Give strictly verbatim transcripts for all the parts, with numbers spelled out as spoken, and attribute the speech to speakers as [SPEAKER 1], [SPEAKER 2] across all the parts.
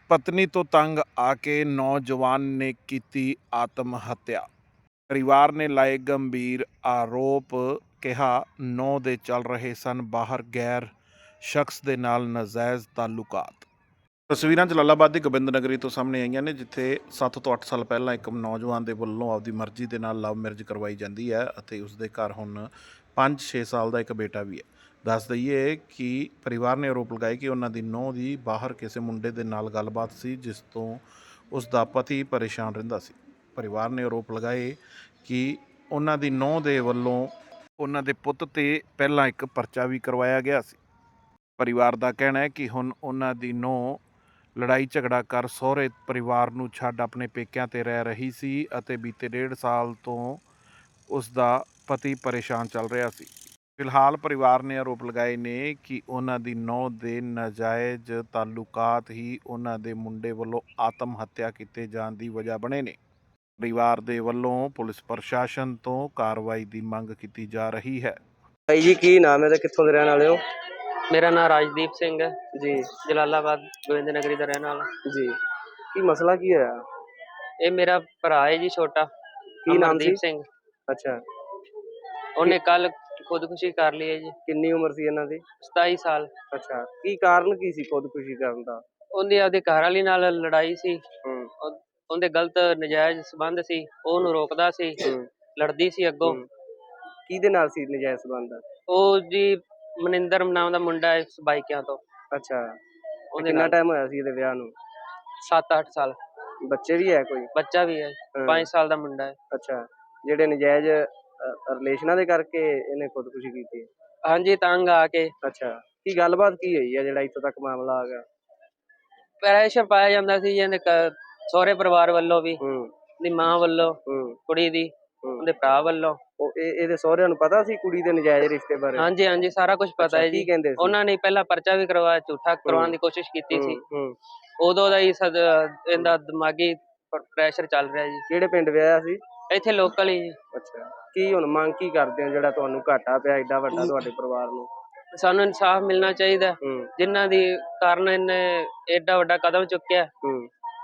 [SPEAKER 1] ਪਤਨੀ ਤੋਂ ਤੰਗ ਆ ਕੇ ਨੌਜਵਾਨ ਨੇ ਕੀਤੀ ਆਤਮ ਹੱਤਿਆ। ਪਰਿਵਾਰ ਨੇ ਲਾਏ ਗੰਭੀਰ ਆਰੋਪ। ਕਿਹਾ ਨੌ ਦੇ ਚੱਲ ਰਹੇ ਸਨ ਬਾਹਰ ਗੈਰ ਸ਼ਖਸ ਦੇ ਨਾਲ ਨਾਜਾਇਜ਼ ਤਾਲੁਕਾਤ। ਤਸਵੀਰਾਂ ਜਲਾਲਾਬਾਦ ਦੀ ਗੋਬਿੰਦ ਨਗਰੀ ਤੋਂ ਸਾਹਮਣੇ ਆਈਆਂ ਨੇ, ਜਿੱਥੇ ਸੱਤ ਤੋਂ ਅੱਠ ਸਾਲ ਪਹਿਲਾਂ ਇੱਕ ਨੌਜਵਾਨ ਦੇ ਵੱਲੋਂ ਆਪਦੀ ਮਰਜ਼ੀ ਦੇ ਨਾਲ ਲਵ ਮੈਰਿਜ ਕਰਵਾਈ ਜਾਂਦੀ ਹੈ ਅਤੇ ਉਸਦੇ ਘਰ ਹੁਣ ਪੰਜ ਛੇ ਸਾਲ ਦਾ ਇੱਕ ਬੇਟਾ ਵੀ ਹੈ। ਦੱਸ ਦਈਏ ਕਿ ਪਰਿਵਾਰ ਨੇ ਆਰੋਪ ਲਗਾਏ ਕਿ ਉਹਨਾਂ ਦੀ ਨੂੰਹ ਦੀ ਬਾਹਰ ਕਿਸੇ ਮੁੰਡੇ ਦੇ ਨਾਲ ਗੱਲਬਾਤ ਸੀ, ਜਿਸ ਤੋਂ ਉਸ ਦਾ ਪਤੀ ਪਰੇਸ਼ਾਨ ਰਹਿੰਦਾ ਸੀ। ਪਰਿਵਾਰ ਨੇ ਆਰੋਪ ਲਗਾਏ ਕਿ ਉਹਨਾਂ ਦੀ ਨੂੰਹ ਦੇ ਵੱਲੋਂ ਉਹਨਾਂ ਦੇ ਪੁੱਤ 'ਤੇ ਪਹਿਲਾਂ ਇੱਕ ਪਰਚਾ ਵੀ ਕਰਵਾਇਆ ਗਿਆ ਸੀ। ਪਰਿਵਾਰ ਦਾ ਕਹਿਣਾ ਹੈ ਕਿ ਹੁਣ ਉਹਨਾਂ ਦੀ ਨੂੰਹ ਲੜਾਈ ਝਗੜਾ ਕਰ ਸਹੁਰੇ ਪਰਿਵਾਰ ਨੂੰ ਛੱਡ ਆਪਣੇ ਪੇਕਿਆਂ 'ਤੇ ਰਹਿ ਰਹੀ ਸੀ ਅਤੇ ਬੀਤੇ ਡੇਢ ਸਾਲ ਤੋਂ ਉਸ ਦਾ ਪਤੀ ਪਰੇਸ਼ਾਨ ਚੱਲ ਰਿਹਾ ਸੀ। ਫਿਲਹਾਲ ਪਰਿਵਾਰ ਨੇ ਆਰੋਪ ਲਗਾਏ ਨੇ ਕਿ ਉਹਨਾਂ ਦੀ ਨੂੰਹ ਦੇ ਨਾਜਾਇਜ਼ ਤਾਲੁਕਾਤ ਹੀ ਉਹਨਾਂ ਦੇ ਮੁੰਡੇ ਵੱਲੋਂ ਆਤਮ ਹੱਤਿਆ ਕੀਤੇ ਜਾਣ ਦੀ ਵਜ੍ਹਾ ਬਣੇ ਨੇ। ਪਰਿਵਾਰ ਦੇ ਵੱਲੋਂ ਪੁਲਿਸ ਪ੍ਰਸ਼ਾਸਨ ਤੋਂ ਕਾਰਵਾਈ ਦੀ ਮੰਗ ਕੀਤੀ ਜਾ ਰਹੀ ਹੈ।
[SPEAKER 2] ਭਾਈ ਜੀ ਕੀ ਨਾਮ ਹੈ ਤੇ ਕਿੱਥੋਂ ਦੇ ਰਹਿਣ ਵਾਲੇ ਹੋ?
[SPEAKER 3] ਮੇਰਾ ਨਾਮ ਰਾਜਦੀਪ ਸਿੰਘ ਹੈ
[SPEAKER 2] ਜੀ
[SPEAKER 3] ਜਲਾਲਾਬਾਦ ਗੋਬਿੰਦ ਨਗਰੀ ਦਾ ਰਹਿਣ ਵਾਲਾ।
[SPEAKER 2] ਜੀ ਕੀ ਮਸਲਾ ਕੀ ਹੋਇਆ?
[SPEAKER 3] ਇਹ ਮੇਰਾ ਭਰਾ ਹੈ ਜੀ ਛੋਟਾ,
[SPEAKER 2] ਕੀ ਨਾਮ
[SPEAKER 3] ਅਮਰਦੀਪ
[SPEAKER 2] ਸੀ?
[SPEAKER 3] ਸਿੰਘ।
[SPEAKER 2] ਅੱਛਾ,
[SPEAKER 3] ਉਹਨੇ ਕੱਲ ਖੁਦਕੁਸ਼ੀ ਕਰ ਲਈ ਹੈ ਜੀ।
[SPEAKER 2] ਕਿੰਨੀ ਉਮਰ ਸੀ ਇਹਨਾਂ ਦੀ?
[SPEAKER 3] ਸਤਾਈ ਸਾਲ।
[SPEAKER 2] ਅੱਛਾ, ਕੀ ਕਾਰਨ ਕੀ ਸੀ ਖੁਦਕੁਸ਼ੀ ਕਰਨ ਦਾ?
[SPEAKER 3] ਉਹਦੀ ਆਪਦੇ ਘਰ ਵਾਲੀ ਨਾਲ ਲੜਾਈ ਸੀ।
[SPEAKER 2] ਹੂੰ
[SPEAKER 3] ਉਹ- ਉਹਦੇ ਗਲਤ ਨਜਾਇਜ਼ ਸੰਬੰਧ ਸੀ, ਉਹ ਉਹਨੂੰ ਰੋਕਦਾ ਸੀ,
[SPEAKER 2] ਹੂੰ
[SPEAKER 3] ਲੜਦੀ ਸੀ ਅੱਗੋਂ।
[SPEAKER 2] ਹੂੰ। ਕਿਹਦੇ ਨਾਲ ਸੀ ਨਜਾਇਜ਼ ਸੰਬੰਧ?
[SPEAKER 3] ਉਹ ਜੀ ਮਨਿੰਦਰ ਨਾਮ ਦਾ ਮੁੰਡਾ ਹੈ ਬਾਈਕਿਆਂ ਤੋਂ।
[SPEAKER 2] ਅੱਛਾ, ਤੇ
[SPEAKER 3] ਉਹਦੇ
[SPEAKER 2] ਕਿੰਨਾ
[SPEAKER 3] ਨਾਲ
[SPEAKER 2] ਟਾਈਮ ਹੋਇਆ ਸੀ ਇਹਦੇ ਵਿਆਹ ਨੂੰ?
[SPEAKER 3] ਸੱਤ ਅੱਠ ਸਾਲ।
[SPEAKER 2] ਬੱਚੇ ਵੀ ਹੈ ਕੋਈ?
[SPEAKER 3] ਬੱਚਾ ਵੀ ਹੈ,
[SPEAKER 2] ਹਾਂ।
[SPEAKER 3] ਪੰਜ ਸਾਲ ਦਾ ਮੁੰਡਾ ਹੈ।
[SPEAKER 2] ਅੱਛਾ, ਜਿਹੜੇ ਨਜਾਇਜ਼ ਰਿਲੇਸ਼ਨਾਂ ਦੇ ਕਰਕੇ ਇਹਨੇ ਖੁਦਕੁਸ਼ੀ ਕੀਤੀ?
[SPEAKER 3] ਹਾਂਜੀ, ਤੰਗ ਆ ਕੇ
[SPEAKER 2] ਅੱਛਾ, ਕੀ ਗੱਲਬਾਤ ਕੀ ਹੋਈ ਹੈ ਜਿਹੜਾ ਇੱਥੋਂ ਤੱਕ ਮਾਮਲਾ ਆ ਗਿਆ?
[SPEAKER 3] ਪ੍ਰੈਸ਼ਰ ਪਾਇਆ ਜਾਂਦਾ ਸੀ ਜੀ ਇਹਦੇ ਘ- ਸਹੁਰੇ ਪਰਿਵਾਰ ਵੱਲੋਂ ਵੀ,
[SPEAKER 2] ਹੂੰ
[SPEAKER 3] ਦੀ ਮਾਂ ਵੱਲੋਂ,
[SPEAKER 2] ਹੂੰ
[SPEAKER 3] ਕੁੜੀ ਦੀ,
[SPEAKER 2] ਹੂੰ।
[SPEAKER 3] ਉਹਦੇ ਭਰਾ ਵੱਲੋਂ।
[SPEAKER 2] ਉਹ ਇਹ ਇਹਦੇ ਸਹੁਰਿਆਂ ਨੂੰ ਪਤਾ ਸੀ ਕੁੜੀ ਦੇ ਨਜਾਇਜ਼ ਰਿਸ਼ਤੇ ਬਾਰੇ?
[SPEAKER 3] ਹਾਂਜੀ ਹਾਂਜੀ, ਸਾਰਾ ਕੁਝ ਪਤਾ
[SPEAKER 2] ਅੱਛਾ,
[SPEAKER 3] ਹੈ
[SPEAKER 2] ਕੀ
[SPEAKER 3] ਜੀ।
[SPEAKER 2] ਕਹਿੰਦੇ ਸੀ?
[SPEAKER 3] ਉਹਨਾਂ ਨੇ ਪਹਿਲਾਂ ਪਰਚਾ ਵੀ ਕਰਵਾਇਆ, ਝੂਠਾ ਕਰਵਾਉਣ ਦੀ ਕੋਸ਼ਿਸ਼ ਕੀਤੀ ਸੀ।
[SPEAKER 2] ਹੂੰ ਹੂੰ।
[SPEAKER 3] ਉਦੋਂ ਦਾ ਹੀ ਸਦ ਇਹਦਾ ਦਿਮਾਗੀ ਪ੍ਰੈਸ਼ਰ ਚੱਲ ਰਿਹਾ ਜੀ।
[SPEAKER 2] ਕਿਹੜੇ ਪਿੰਡ ਵਿਆਹਿਆ ਸੀ?
[SPEAKER 3] ਇੱਥੇ ਲੋਕਲ ਹੀ ਜੀ।
[SPEAKER 2] ਅੱਛਾ, ਕੀ ਹੁਣ ਮੰਗ ਕੀ ਕਰਦੇ ਹੋ ਜਿਹੜਾ ਤੁਹਾਨੂੰ ਘਾਟਾ ਪਿਆ ਏਡਾ ਵੱਡਾ ਤੁਹਾਡੇ ਪਰਿਵਾਰ ਨੂੰ?
[SPEAKER 3] ਸਾਨੂੰ ਇਨਸਾਫ ਮਿਲਣਾ ਚਾਹੀਦਾ,
[SPEAKER 2] ਹੂੰ
[SPEAKER 3] ਜਿਨ੍ਹਾਂ ਦੀ ਕਾਰਨ ਇਹਨੇ ਏਡਾ ਵੱਡਾ ਕਦਮ ਚੁੱਕਿਆ।
[SPEAKER 2] ਹੂੰ।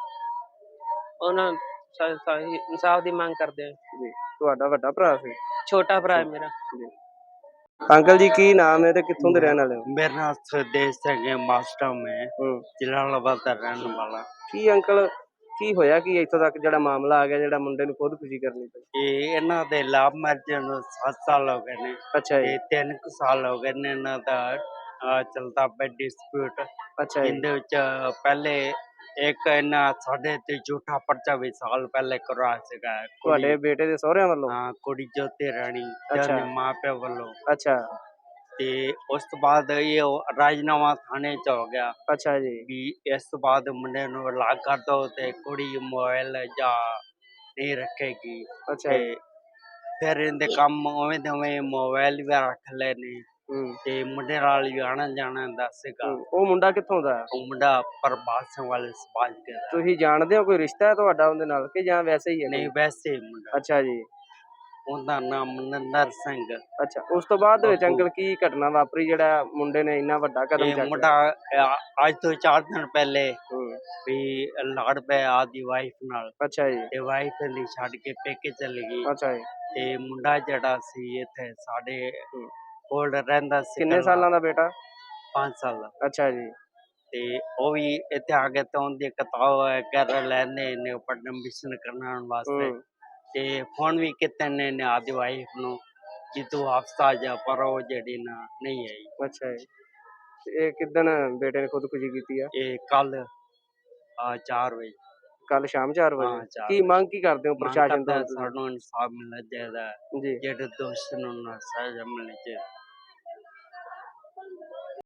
[SPEAKER 3] ਉਹਨਾਂ ਇਨਸਾਫ ਦੀ ਮੰਗ ਕਰਦੇ ਆ।
[SPEAKER 2] ਜੀ, ਤੁਹਾਡਾ ਵੱਡਾ ਭਰਾ ਸੀ?
[SPEAKER 3] ਛੋਟਾ ਭਰਾ ਹੈ ਮੇਰਾ।
[SPEAKER 2] ਜੀ। ਅੰਕਲ ਜੀ ਕੀ ਨਾਮ ਹੈ ਤੇ ਕਿੱਥੋਂ ਦੇ ਰਹਿਣ ਵਾਲੇ ਹੋ?
[SPEAKER 4] मेरा नाम सुदेश सिंह है, मास्टर में
[SPEAKER 2] ਹੂੰ।
[SPEAKER 4] जलालाबाद का रहने वाला।
[SPEAKER 2] ਕੀ ਅੰਕਲ ਕੀ ਹੋਇਆ ਕੀ ਇੱਥੋਂ ਤੱਕ ਜਿਹੜਾ ਮਾਮਲਾ ਆ ਗਿਆ ਜਿਹੜਾ ਮੁੰਡੇ ਨੂੰ ਖੁਦਕੁਸ਼ੀ ਕਰਨੀ ਪਈ?
[SPEAKER 4] ਇਹ ਇਹਨਾਂ ਦੇ ਲਵ ਮੈਰਿਜ ਨੂੰ ਸੱਤ ਸਾਲ ਹੋ ਗਏ ਨੇ
[SPEAKER 2] ਅੱਛਾ ਜੀ।
[SPEAKER 4] ਤੇ ਤਿੰਨ ਕੁ ਸਾਲ ਹੋ ਗਏ ਨੇ ਇਹਨਾਂ ਦਾ ਅਹ, ਚੱਲਦਾ ਪਿਆ ਡਿਸਪਿਊਟ।
[SPEAKER 2] ਅੱਛਾ ਜੀ।
[SPEAKER 4] ਇਹਦੇ ਵਿੱਚ ਪਹਿਲੇ ਇੱਕ ਇਹਨਾਂ ਸਾਡੇ ਤੇ ਝੂਠਾ ਪਰਚਾ ਵੀ ਸਾਲ ਪਹਿਲੇ ਕਰਵਾਇਆ ਸੀਗਾ।
[SPEAKER 2] ਤੁਹਾਡੇ
[SPEAKER 4] ਕੁੜੀ
[SPEAKER 2] ਬੇਟੇ ਦੇ ਸਹੁਰਿਆਂ ਵੱਲੋਂ?
[SPEAKER 4] ਹਾਂ, ਕੁੜੀ ਜੋਤੀ ਰਾਣੀ ਤੇ
[SPEAKER 2] ਅੱਛਾ।
[SPEAKER 4] ਉਹਦੇ ਮਾਂ ਪਿਓ ਵੱਲੋਂ।
[SPEAKER 2] ਅੱਛਾ
[SPEAKER 4] ਤੇ ਉਸ ਤੋਂ ਬਾਅਦ ਇਹ ਰਾਜਨਾਮਾ ਥਾਣੇ ਚ ਹੋ ਗਿਆ
[SPEAKER 2] ਅੱਛਾ ਜੀ।
[SPEAKER 4] ਵੀ ਇਸ ਤੋਂ ਬਾਅਦ ਮੁੰਡੇ ਨੂੰ ਅਲੱਗ ਕਰ ਦੋ ਤੇ ਕੁੜੀ ਮੋਬਾਈਲ ਜਾਂ ਨਹੀਂ ਰੱਖੇਗੀ।
[SPEAKER 2] ਅੱਛਾ
[SPEAKER 4] ਤੇ
[SPEAKER 2] ਜੀ।
[SPEAKER 4] ਫਿਰ ਇਹਦੇ ਕੰਮ ਉਵੇਂ ਦੇ ਉਵੇਂ ਮੋਬਾਈਲ ਵੀ ਰੱਖ ਲਏ ਨੇ
[SPEAKER 2] ਹੂੰ
[SPEAKER 4] ਤੇ ਮੁੰਡੇ ਨਾਲ ਵੀ ਆਣਾ ਜਾਣਾ ਦਾ ਸੀਗਾ।
[SPEAKER 2] ਹੂੰ। ਉਹ ਮੁੰਡਾ ਕਿੱਥੋਂ ਦਾ ਹੈ?
[SPEAKER 4] ਉਹ ਮੁੰਡਾ ਪ੍ਰਭਾਤ ਸਿੰਘ ਵਾਲੇ ਸਮਾਜ ਕੇ ਦਾ।
[SPEAKER 2] ਤੁਸੀਂ ਜਾਣਦੇ ਹੋ ਕੋਈ ਰਿਸ਼ਤਾ ਹੈ ਤੁਹਾਡਾ ਉਹਦੇ ਨਾਲ ਕਿ ਜਾਂ ਵੈਸੇ ਹੀ ਹੈ?
[SPEAKER 4] ਨਹੀਂ, ਵੈਸੇ ਹੀ ਮੁੰਡਾ।
[SPEAKER 2] ਅੱਛਾ ਜੀ।
[SPEAKER 4] ਉਹਦਾ ਨਾਮ ਮਨਿੰਦਰ ਸਿੰਘ।
[SPEAKER 2] ਅੱਛਾ, ਉਸ ਤੋਂ ਬਾਅਦ ਦੇ ਵਿੱਚ
[SPEAKER 4] ਬੱਬੂ।
[SPEAKER 2] ਅੰਕਲ ਕੀ ਘਟਨਾ ਵਾਪਰੀ ਜਿਹੜਾ ਮੁੰਡੇ ਨੇ ਇੰਨਾ ਵੱਡਾ ਕਦਮ
[SPEAKER 4] ਇਹ
[SPEAKER 2] ਚੱਕਿਆ?
[SPEAKER 4] ਮੁੰਡਾ ਅ- ਅੱਜ ਤੋਂ ਚਾਰ ਦਿਨ ਪਹਿਲੇ
[SPEAKER 2] ਹੂੰ।
[SPEAKER 4] ਵੀ ਲੜ ਪਿਆ ਆਦੀ ਵਾਈਫ ਨਾਲ
[SPEAKER 2] ਅੱਛਾ ਜੀ।
[SPEAKER 4] ਤੇ ਵਾਈਫ ਦੀ ਛੱਡ ਕੇ ਪੇਕੇ ਚਲੀ ਗਈ।
[SPEAKER 2] ਅੱਛਾ ਜੀ।
[SPEAKER 4] ਤੇ ਮੁੰਡਾ ਜਿਹੜਾ ਸੀ ਇੱਥੇ ਸਾਡੇ
[SPEAKER 2] ਹੂੰ।
[SPEAKER 4] ਕੋਲ ਰਹਿੰਦਾ ਸੀ।
[SPEAKER 2] ਕਿੰਨੇ ਸਾਲਾਂ ਦਾ ਬੇਟਾ?
[SPEAKER 4] ਪੰਜ ਸਾਲ ਦਾ।
[SPEAKER 2] ਅੱਛਾ ਜੀ।
[SPEAKER 4] ਤੇ ਉਹ ਵੀ ਇੱਥੇ ਆ ਕੇ ਤੋਂ ਦੀ ਕਿਤਾਬ ਕਰ ਲੈਂਦੇ ਨੇ ਪੜ੍ਹਨ ਕਰਨ ਵਾਸਤੇ।
[SPEAKER 2] ਹੂੰ।
[SPEAKER 4] ਤੇ ਫੋਨ ਵੀ ਕੀਤੇ ਨੇ ਨੇ ਆਦੀ ਵਾਈਫ ਨੂੰ ਕਿ ਤੂੰ ਹਫਤਾ ਜਾ, ਪਰ ਉਹ ਜਿਹੜੀ ਨਾ ਨਹੀਂ ਆਈ।
[SPEAKER 2] ਅੱਛਾ ਜੀ। ਤੇ ਇਹ ਕਿੱਦਣ ਬੇਟੇ ਨੇ ਖੁਦਕੁਸ਼ੀ ਕੀਤੀ ਆ?
[SPEAKER 4] ਇਹ ਕੱਲ ਆ ਚਾਰ ਵਜੇ।
[SPEAKER 2] ਕੱਲ ਸ਼ਾਮ ਚਾਰ
[SPEAKER 4] ਹਾਂ,
[SPEAKER 2] ਵਜੇ?
[SPEAKER 4] ਚਾਰ
[SPEAKER 2] ਕੀ ਮੰਗ ਕੀ ਕਰਦੇ ਹੋ
[SPEAKER 4] ਮੰਗ
[SPEAKER 2] ਪ੍ਰਸ਼ਾਸਨ
[SPEAKER 4] ਕਰਦਾ
[SPEAKER 2] ਤੋਂ?
[SPEAKER 4] ਸਾਨੂੰ ਇਨਸਾਫ ਮਿਲਣਾ ਚਾਹੀਦਾ ਹੈ।
[SPEAKER 2] ਜੀ।
[SPEAKER 4] ਜਿਹੜੇ ਦੋਸ਼ੀ ਨੂੰ ਨਾ ਸਜ਼ਾ ਮਿਲਣੀ ਚਾਹੀਦੀ।